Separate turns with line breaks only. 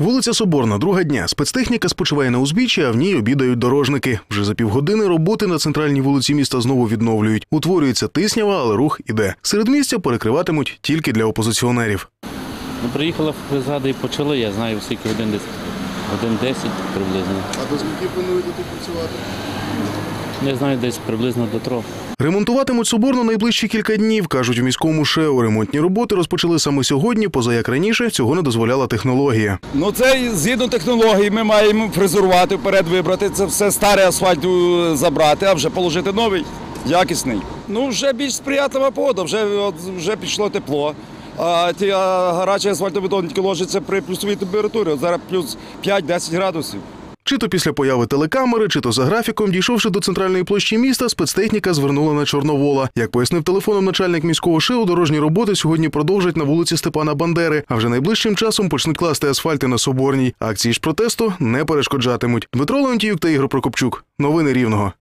Вулиця Соборна, друга дня. Спецтехніка спочиває на узбіччі, а в ній обідають дорожники. Вже за півгодини роботи на центральній вулиці міста знову відновлюють. Утворюється тиснява, але рух іде. Середмістя перекриватимуть тільки для опозиціонерів.
Приїхала бригада і почали, я знаю, скільки годин десь. Годин 10 приблизно.
А до скільки плануєте тут працювати?
Не знаю, десь приблизно до 3.
Ремонтуватимуть Соборну найближчі кілька днів, кажуть у міському ШЕО. Ремонтні роботи розпочали саме сьогодні, поза як раніше цього не дозволяла технологія.
Це згідно технології ми маємо фрезерувати, вперед вибрати, це все старе асфальту забрати, а вже положити новий, якісний. Вже більш сприятлива погода, вже пішло тепло. А ті гарячі асфальтобетон тільки ложиться при плюсовій температурі, зараз плюс 5-10 градусів.
Чи то після появи телекамери, чи то за графіком, дійшовши до центральної площі міста, спецтехніка звернула на Чорновола. Як пояснив телефоном начальник міського ШЕО, дорожні роботи сьогодні продовжать на вулиці Степана Бандери, а вже найближчим часом почнуть класти асфальти на Соборній. Акції ж протесту не перешкоджатимуть. Дмитро Леонтіюк та Ігор Прокопчук. Новини Рівного.